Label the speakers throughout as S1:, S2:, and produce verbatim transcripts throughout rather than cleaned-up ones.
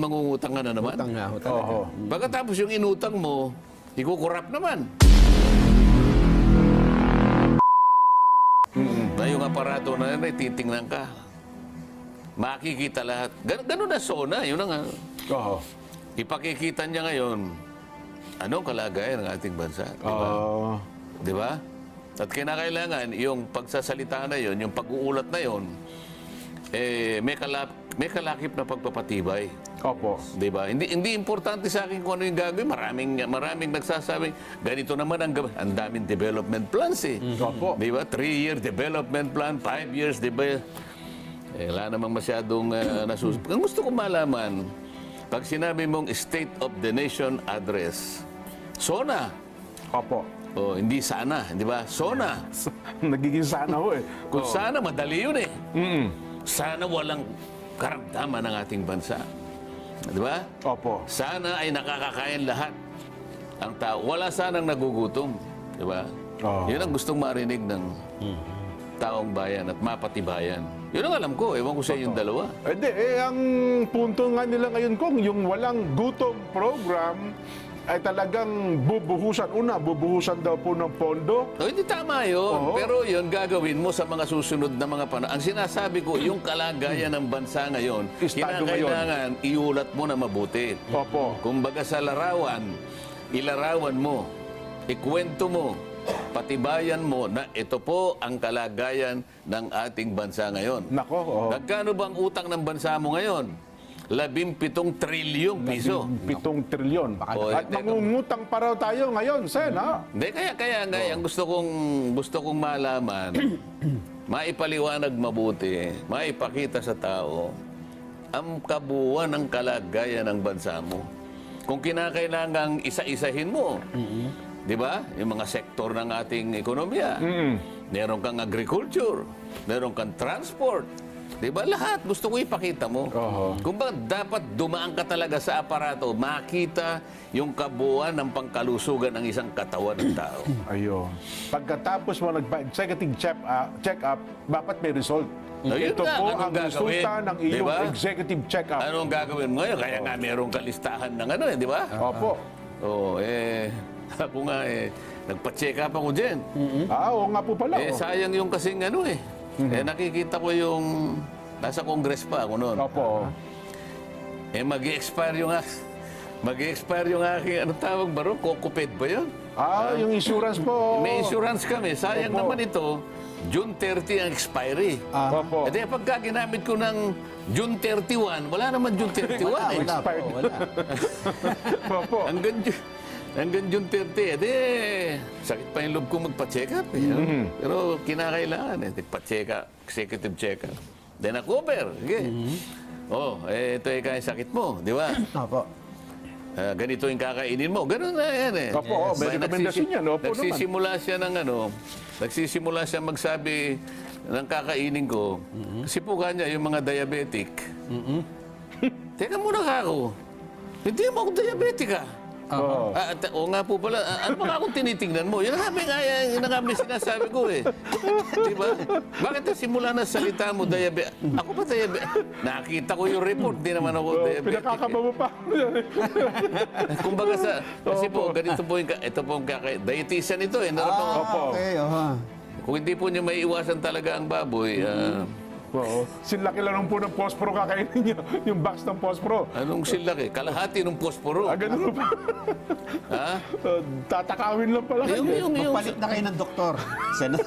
S1: mangungutang ka na naman.
S2: Utang nga ho talaga.
S3: Oho.
S1: Pagkatapos yung inutang mo, ikukurap naman. Na yung aparato na yun, ay titingnan ka. Makikita lahat. Gan ganun na SONA, yun na nga.
S3: Oho.
S1: Ipakikita niya ngayon, anong kalagayan ng ating bansa. Di ba?
S3: Ah.
S1: Di ba? At kinakailangan, yung pagsasalita na yun, yung pag-uulat na yun, eh, may, kalap, may kalakip na pagpapatibay.
S3: Opo.
S1: Di ba? Hindi hindi importante sa akin kung ano yung gagawin. Maraming maraming nagsasabing ganito naman ang gawin. Ang daming development plans eh.
S3: Opo.
S1: Di ba? Three-year development plan, five years, di ba? Eh, wala namang masyadong uh, nasus... Ang gusto kong malaman, pag sinabi mong State of the Nation Address, SONA.
S3: Opo.
S1: O, hindi sana, di ba? SONA.
S3: Nagiging sana ho eh.
S1: Kung sana, madali yun eh.
S3: Mm-mm.
S1: Sana walang karamdaman ng ating bansa. Di ba?
S3: Opo.
S1: Sana ay nakakakain lahat ang tao. Wala sanang nagugutom. Di ba?
S3: Oo.
S1: Yun ang gustong marinig ng taong bayan at mapatibayan. Yun ang alam ko. Ewan ko sa yung dalawa.
S3: Eh, di, eh, ang punto nga nila ngayon kung yung walang gutom program ay talagang bubuhusan. Una, bubuhusan daw po ng pondo.
S1: O, hindi tama yun.
S3: Oo.
S1: Pero yun, gagawin mo sa mga susunod na mga panahon. Ang sinasabi ko, yung kalagayan ng bansa ngayon,
S3: Estado ngayon.
S1: kinakailangan iulat mo na mabuti.
S3: Opo.
S1: Kumbaga sa larawan, ilarawan mo, ikwento mo, patibayan mo na ito po ang kalagayan ng ating bansa ngayon.
S3: Nako, oh.
S1: Nagkano bang utang ng bansa mo ngayon? Labimpitong trilyong piso.
S3: Pitong trilyon.
S1: O,
S3: At
S1: teka.
S3: mangungutang pa raw tayo ngayon, Sen, ha?
S1: Hindi, kaya, kaya, kaya ang gusto kong, gusto kong malaman, maipaliwanag mabuti, maipakita sa tao, ang kabuuan ng kalagayan ng bansa mo. Kung kinakailangang isa-isahin mo, di ba? Yung mga sektor ng ating ekonomiya.
S3: Mm.
S1: Meron kang agriculture, meron kang transport. Di ba? Lahat gusto ko ipakita mo.
S3: Oho.
S1: Kung ba dapat dumaan ka talaga sa aparato, makita yung kabuuan ng pangkalusugan ng isang katawan ng tao.
S3: Ayun. Pagkatapos mo nagpa-executive check, uh, check-up, dapat may result.
S1: No, yun
S3: Ito
S1: nga,
S3: po
S1: anong
S3: ang
S1: gagawin?
S3: resulta ng iyong
S1: Diba?
S3: executive check-up.
S1: Anong gagawin mo ngayon? Kaya nga meron ka listahan ng ano eh, di ba?
S3: Opo.
S1: Oo, eh, ako nga eh, nagpa-check up ako dyan.
S3: Ah, oo nga po pala.
S1: Eh,
S3: oh.
S1: sayang yung kasing ano eh. Eh, nakikita ko yung, nasa Congress pa ako noon.
S3: Opo.
S1: Eh, mag-i-expire yung, mag-i-expire yung aking, ano tawag ba ron? Kokoped ba yun?
S3: Ah, yung insurance po.
S1: May insurance kami. Sayang
S3: Opo.
S1: naman ito, June thirty ang expiry.
S3: Opo.
S1: Eh, di, pagka ginamit ko ng June thirty-one, wala naman June thirty-one eh.
S2: Wala po,
S3: Expired.
S2: wala.
S3: Opo.
S1: Hanggang, Ju- hanggang June thirty, eh, di, sakit pa yung loob ko magpa-check up. Eh, no?
S3: Mm-hmm.
S1: Pero kinakailangan eh, pa-check up, executive check up. Then na-cover. Okay. Oh, eh, ito eh kaya sakit mo, di ba?
S2: Opo.
S1: Ah, ganito yung kakainin mo. Ganun na yan eh.
S3: Opo, oh, may
S1: Ba-
S3: rekomendasyon
S1: nagsisi-
S3: yan. Opo naman.
S1: Nagsisimula siya ng ano, nagsisimula siya magsabi ng kakainin ko. Kasi po kanya yung mga diabetic. Teka muna ka ako. Hindi mo ako diabetic ah.
S3: Oo.
S1: Ah, at- oo nga po pala. Ah, ano ba akong tinitingnan mo? Yun nga may nga yun nga may sinasabi ko eh. Di ba? Bakit na simula na salita mo diabetic? Ako ba diabetic? Nakita ko yung report. Di naman ako
S3: Oh,
S1: diabetic.
S3: pinakakaba mo pa.
S1: Kumbaga sa, kasi po, ganito po yung, ka- ito po yung kaka, dietitian ito eh. Meron pang-
S2: Ah,
S3: Opo.
S2: okay. Oho.
S1: Kung hindi po niyo may iwasan talaga ang baboy, ah,
S3: Oo. Sinlaki lang po ng posporo kakainin niyo. Yung box ng posporo.
S1: anong silaki? Kalahati ng posporo.
S3: Ah, ganun pa.
S1: Ha?
S3: Uh, tatakawin lang pala.
S1: Yung, yung, yung,
S2: Magpalit na kayo ng doktor. Sen.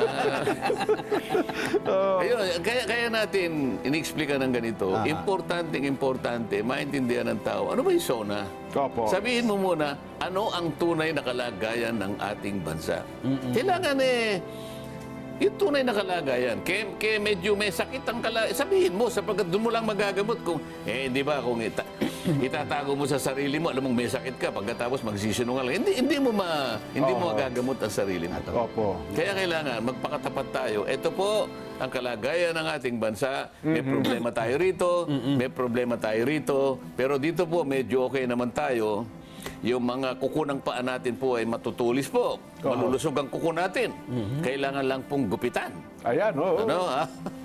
S1: ayun, kaya, kaya natin inexplika ng ganito. Importante, importante, maintindihan ng tao. Ano ba yung SONA?
S3: Opo.
S1: Sabihin mo muna, ano ang tunay na kalagayan ng ating bansa? Kailangan eh, yung tunay na kalagayan. Kaya, kaya medyo may sakit ang kalagayan. Sabihin mo, sapagkat doon mo lang magagamot. Kung, eh, di ba, kung ita, itatago mo sa sarili mo, alam mong may sakit ka, pagkatapos magsisinungaling, hindi, hindi mo ma, hindi mo
S3: Oo.
S1: magagamot ang sarili mo.
S3: Opo.
S1: Kaya kailangan magpakatapat tayo. Ito po ang kalagayan ng ating bansa. May problema tayo rito, may problema tayo rito. Pero dito po medyo okay naman tayo. Yung mga kuko ng paa natin po ay matutulis po. Malulusog ang kuko natin. Kailangan lang pong gupitan.
S3: Ayan, oo.
S1: Ano, ha?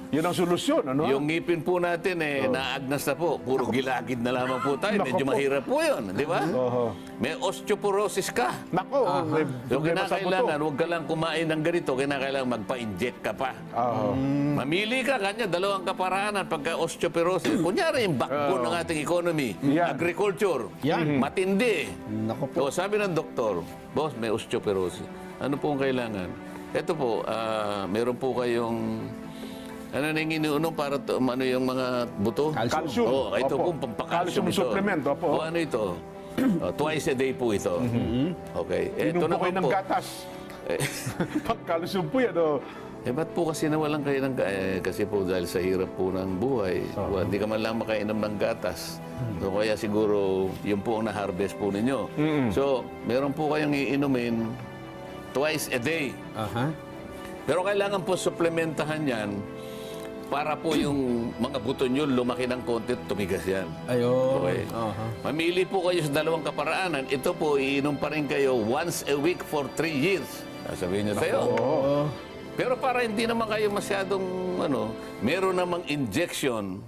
S3: Yun ang solusyon, ano?
S1: Yung ngipin po natin eh, naagnas na po. Puro gilagid na lamang po tayo.
S3: Nako
S1: Medyo
S3: po.
S1: mahirap po yun, di ba?
S3: Oho.
S1: May osteoporosis ka.
S3: Nako, may
S1: So,
S3: problema sa
S1: kinakailangan,
S3: buto.
S1: huwag ka lang kumain ng ganito, kinakailangan magpa-inject ka pa.
S3: Oho.
S1: Mamili ka, kanya, dalawang kaparaanan pagka osteoporosis. Kunyari, yung backbone ng ating economy,
S3: Yan.
S1: agriculture,
S2: Yan.
S1: matindi.
S2: Nako po.
S1: So, sabi ng doktor, boss, may osteoporosis. Ano po ang kailangan? Ito po, ah, meron po kayong, ano na yung iniunom para to, ano yung mga buto?
S3: Calcium.
S1: Oo, ito
S3: Opo.
S1: po, pampakalcium
S3: Calcium
S1: ito.
S3: supplement, opo.
S1: O ano ito? Oh, twice a day po ito. Okay. Ito
S3: Inom po
S1: naman
S3: kayo ng
S1: po.
S3: gatas.
S1: Eh,
S3: Pagkalusog po yan, oh.
S1: Eh, ba't po kasi nawalan kayo ng... Eh, kasi po dahil sa hirap po ng buhay, well, hindi ka man lang makainom ng gatas. So, kaya siguro, yun po ang na-harvest po ninyo. So, meron po kayong iinumin twice a day.
S2: Aha.
S1: Pero kailangan po suplementahan yan para po yung mga buto nyo lumaki ng konti at tumigas yan.
S2: Ayun.
S1: Okay.
S2: Aha.
S1: Mamili po kayo sa dalawang kaparaanan. Ito po, iinom pa rin kayo once a week for three years. Sabihin nyo sa'yo.
S2: Oo.
S1: Pero para hindi naman kayo masyadong, ano, meron namang injection,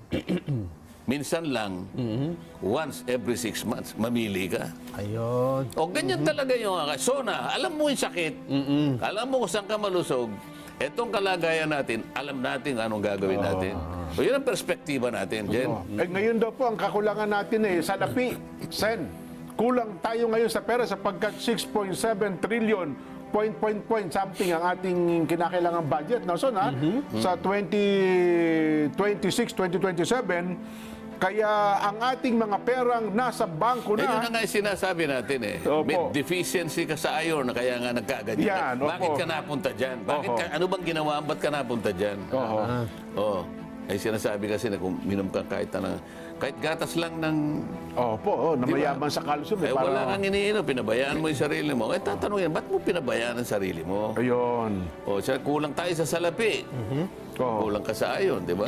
S1: minsan lang, once every six months, mamili ka.
S2: Ayun.
S1: O ganyan talaga yung mga. So na, alam mo yung sakit, alam mo kung saan ka malusog, etong kalagayan natin, alam natin anong gagawin natin. So yun ang perspektiba natin, Jen.
S3: Eh, ngayon daw po, ang kakulangan natin eh, salapi, Sen. Kulang tayo ngayon sa pera sapagkat six point seven trillion, point, point, point, something ang ating kinakailangang budget. No? So na, sa twenty twenty-six, twenty twenty-seven, kaya ang ating mga perang nasa bangko
S1: Eh, yun
S3: na.
S1: na nga yung sinasabi natin eh.
S3: Opo.
S1: May deficiency ka sa iron na kaya nga nagkaganyan.
S3: Yan, opo.
S1: Bakit ka napunta dyan? Bakit
S3: Oho.
S1: ka, ano bang ginawa? Ba't ka napunta dyan?
S3: Oo.
S1: Oo. Ay sinasabi kasi na kung minom ka kahit na, kahit gatas lang ng...
S3: Opo, oh, na mayaman sa kalsum.
S1: Eh,
S3: Eh,
S1: wala
S3: para,
S1: kang iniinom, pinabayaan mo yung sarili mo. Eh, tatanungin, ba't mo pinabayaan ang sarili mo?
S3: ayun.
S1: O, siya, kulang tayo sa salapi.
S3: Oo.
S1: Kulang ka sa ayon, di ba?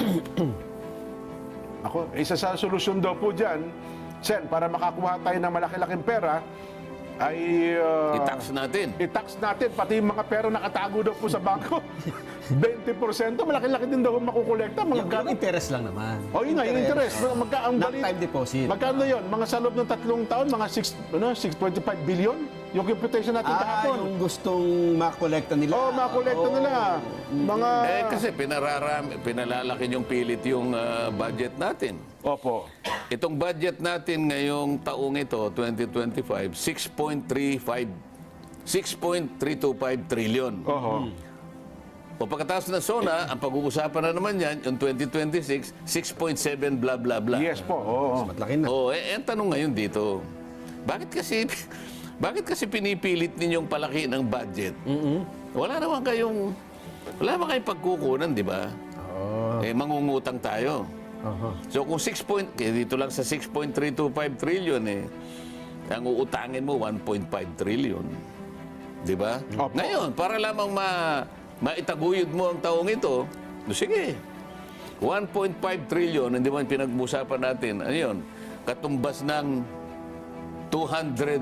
S3: Ako, isa sa solusyon daw po dyan, Sen, para makakuha tayo ng malaki-laking pera, ay... uh,
S1: I-tax natin.
S3: i-tax natin, pati yung mga pera nakatago daw po sa bangko. twenty percent, malaki-laki din daw makukolekta. Mga
S2: Yung,
S3: gano.
S2: yung interest lang naman.
S3: O yun nga, yung interest. Magka, ang
S2: Not
S3: bali-
S2: time deposit.
S3: Magkano yun? Mga sa loob ng tatlong taon, mga six, ano, six point five billion? Yung computation natin
S2: Ah,
S3: kahapon.
S2: yung gustong makolekta nila.
S3: Oo, oh, makolekta
S2: Oo.
S3: nila. Mga...
S1: Eh, kasi pinararami, pinalalaki yung pilit yung ah, budget natin.
S3: Opo.
S1: Itong budget natin ngayong taong ito, twenty twenty-five, six point three five six point three two five trillion.
S3: Oho.
S1: O pagkatapos ng SONA, ang pag-uusapan na naman yan, yung twenty twenty-six, six point seven blah blah blah.
S3: Yes po, oo.
S2: Matlaki na.
S1: Oh, eh, ang tanong ngayon dito, bakit kasi bakit kasi pinipilit ninyong palaki ng budget? Wala naman kayong wala naman kayong pagkukunan, di ba?
S2: Oo.
S1: Eh mangungutang tayo.
S2: Aha.
S1: So kung six point, eh, dito lang sa six point three two five trillion eh, ang uutangin mo one point five trillion. Di ba?
S3: Opo.
S1: Ngayon, para lamang ma maitaguyod mo ang taong ito, no, sige. one point five trillion, hindi man pinag-usapan natin, ano yun, katumbas ng two hundred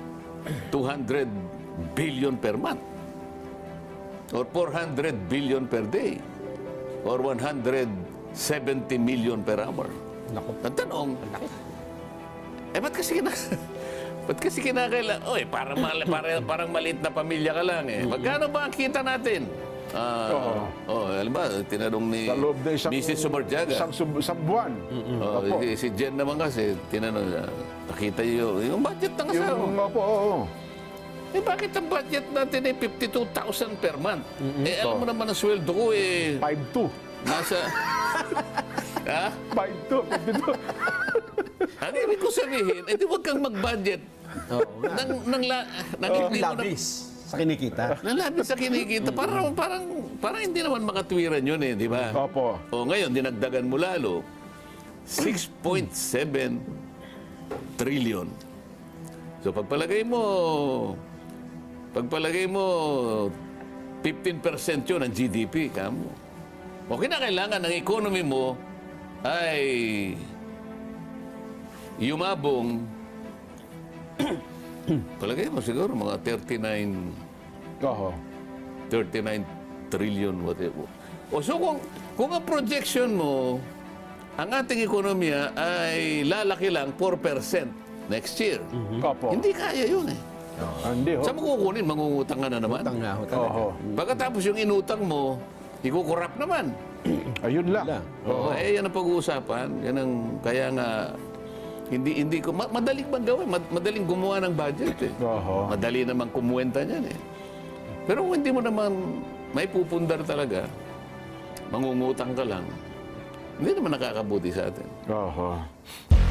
S1: billion per month. Or four hundred billion per day. Or one hundred seventy million per hour.
S2: Naku.
S1: Ang tanong, eh ba't kasi kina... ba't kasi kinakailangan... Oy, parang, mal, parang, parang maliit na pamilya ka lang eh. Magkano ba ang kita natin? Ah,
S3: Oo.
S1: oh, alam ba, tinanong ni
S3: Sa loob na isang...
S1: Missus Sumarjaga.
S3: Isang, sub- isang buwan.
S1: Oh,
S3: Opo.
S1: si, si Jen naman kasi, tinanong niya, nakita niyo yung budget ng asawa.
S3: Yung, opo, oo.
S1: Eh bakit ang budget natin ay fifty-two thousand per month? Eh alam mo naman ang sweldo ko eh,
S3: five two.
S1: nasa... ha?
S3: five two. fifty-two.
S1: Ang ibig ko sabihin, eh di huwag kang mag-budget.
S2: Oo nga.
S1: Nang, nang, la, nang
S2: Yung
S1: hindi mo na,
S2: labis sa kinikita.
S1: nang labis sa kinikita. Parang, parang, parang hindi naman makatwiran yun eh, di ba?
S3: Opo.
S1: O ngayon, dinagdagan mo lalo, six point seven trillion. So pagpalagay mo, pagpalagay mo, fifteen percent yun ang G D P, kamo. O kinakailangan ng economy mo ay yumabong, palagay mo siguro mga thirty-nine
S3: Oho.
S1: thirty-nine trillion, whatever. O so kung, kung ang projection mo, ang ating ekonomiya ay lalaki lang four percent next year.
S3: Opo.
S1: Hindi kaya yun eh.
S3: Ah, Hindi ho.
S1: Saan mo kukunin? Mangungutang ka na naman.
S2: Utang nga ho talaga.
S3: Oho.
S1: Pagkatapos yung inutang mo, ikukurap naman.
S3: Ayun lang.
S2: Wala.
S1: Oo, eh, yan ang pag-uusapan. Yan ang, kaya nga, hindi, hindi ko, ma- madaling bang gawin? Mad- madaling gumawa ng budget eh.
S3: Oho.
S1: Madali namang kumuwenta niyan eh. Pero kung hindi mo naman may pupundar talaga, mangungutang ka lang, hindi naman nakakabuti sa atin.
S3: Oho.